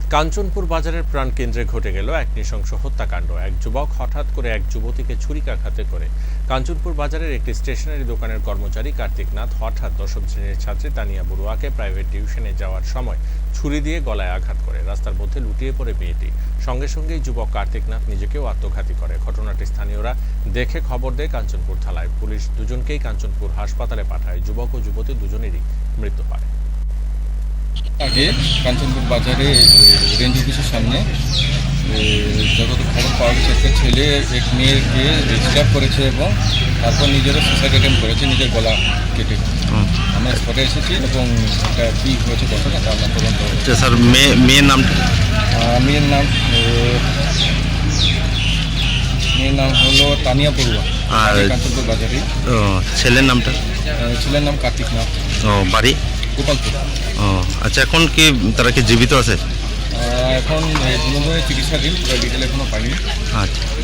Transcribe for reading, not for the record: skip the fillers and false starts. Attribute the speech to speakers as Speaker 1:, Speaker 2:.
Speaker 1: কাঞ্চনপুর বাজারের প্রাণকেন্দ্রে ঘটে গেল এক নৃশংস হত্যাকাণ্ড। এক যুবক হঠাৎ করে এক যুবতীকে ছুরিকাঘাতে করে। কাঞ্চনপুর বাজারের একটি স্টেশনারি দোকানের কর্মচারী কার্তিক নাথ হঠাৎ দশম শ্রেণীর ছাত্রী তানিয়া বড়ুয়াকে প্রাইভেট টিউশনে যাওয়ার সময় ছুরি দিয়ে গলায় আঘাত করে। রাস্তার মধ্যে লুটিয়ে পড়ে মেয়েটি। সঙ্গে সঙ্গেই যুবক কার্তিক নাথ নিজেকেও আত্মঘাতী করে। ঘটনাটি স্থানীয়রা দেখে খবর দেয় কাঞ্চনপুর থানায়। পুলিশ দুজনকেই কাঞ্চনপুর হাসপাতালে পাঠায়। যুবক ও যুবতী দুজনেরই মৃত্যু হয়।
Speaker 2: আগে কাঞ্চনপুর বাজারে রেঞ্জ অফিসের সামনে যতদূর খবর পাওয়া গেছে একটা ছেলে এক মেয়েকে ডিস্টার্ব করেছে এবং তারপর নিজেরও সুসাইড অ্যাটেম্প করেছে, নিজের গলা কেটে। আমরা স্পটে এসেছি এবং এটা কী হয়েছে ঘটনা তার নাম তদন্ত হয়েছে।
Speaker 3: স্যার মেয়ের নামটা?
Speaker 2: মেয়ের নাম হলো তানিয়া বড়ুয়া,
Speaker 3: আর
Speaker 2: কাঞ্চনপুর বাজারে।
Speaker 3: ছেলের নামটা?
Speaker 2: ছেলের নাম কার্তিক নাথ,
Speaker 3: বাড়ি
Speaker 2: গোপালপুর।
Speaker 3: আচ্ছা, এখন কি তারা কি জীবিত আছে?
Speaker 2: এখন চিকিৎসাধীন, ডিটেল এখনও পাইনি।
Speaker 3: আচ্ছা।